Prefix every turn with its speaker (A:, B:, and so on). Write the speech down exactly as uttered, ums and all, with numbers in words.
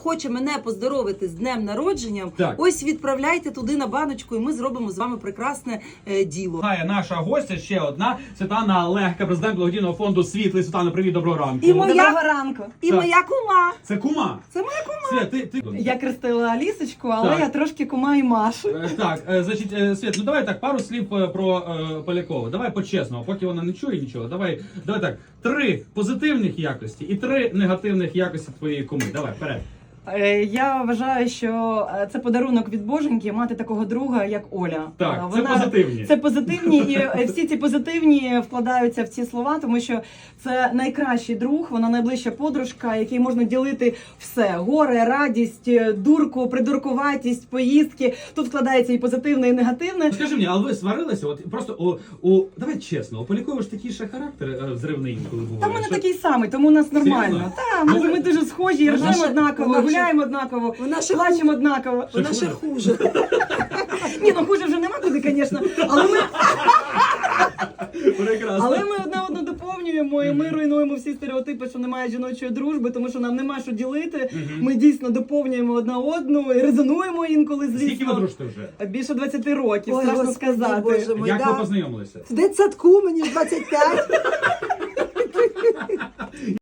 A: Хоче мене поздоровити з днем народженням,
B: Так.
A: ось відправляйте туди на баночку, і ми зробимо з вами прекрасне е, діло.
B: Гає наша гостя ще одна Світлана Легка, президент благодійного фонду «Світлий». Світлана, привіт, доброго ранку.
A: І моя-
C: Доброго ранку.
A: І
B: Так.
A: моя кума.
B: Це кума.
A: Це моя кума.
B: Світ, ти, ти...
C: Я крестила Алісочку, але
B: Так.
C: я трошки кума і Машу.
B: Е, Так, е, значить, е, Світ, ну давай так, пару слів е, про е, Полякову. Давай по-чесному, поки вона не чує нічого. Давай, давай так, три позитивних якості і три негативних якості твоєї куми. Давай, вперед.
C: Е, Я вважаю, що е, це подарунок від Боженьки мати такого друга, як Оля.
B: Так,
C: Е,
B: це позитивні.
C: Це позитивні, і е, всі ці позитивні вкладаються в ці слова, тому що це найкращий друг, вона найближча подружка, якій можна ділити все: горе, радість, е, дурку, придуркуватість, поїздки. Тут вкладається і позитивне, і негативне.
B: Скажи мені, але ви сварилися? От просто у, у давай чесно, у Полякової ж такий ще характер е, взривний, коли буває.
C: Та в мене
B: що-
C: такий самий, тому у нас нормально.
B: Серйозно?
C: Та, ми,
B: Ну, ви-
C: ми дуже схожі,
A: Вона
C: ржемо
A: ще-
C: однаково,
A: вона ще-
C: гуляємо однаково,
A: Вона ще
C: плачемо однаково.
A: Вона ще хуже.
C: Ні, ну хуже вже нема куди, звісно. Але ми,
B: Прекрасно.
C: але ми одна одну доповнюємо, і ми руйнуємо всі стереотипи, що немає жіночої дружби, тому що нам нема що ділити.
B: Мгм.
C: Ми дійсно доповнюємо одна одну і резонуємо інколи,
B: Скільки ви
C: звісно.
B: дружите вже?
C: Більше двадцяти років,
A: Ой,
C: страшно
A: Господи,
C: сказати.
A: Боже мой,
B: Як
A: да.
B: ви познайомилися?
A: В дитсадку мені ж двадцять п'ять.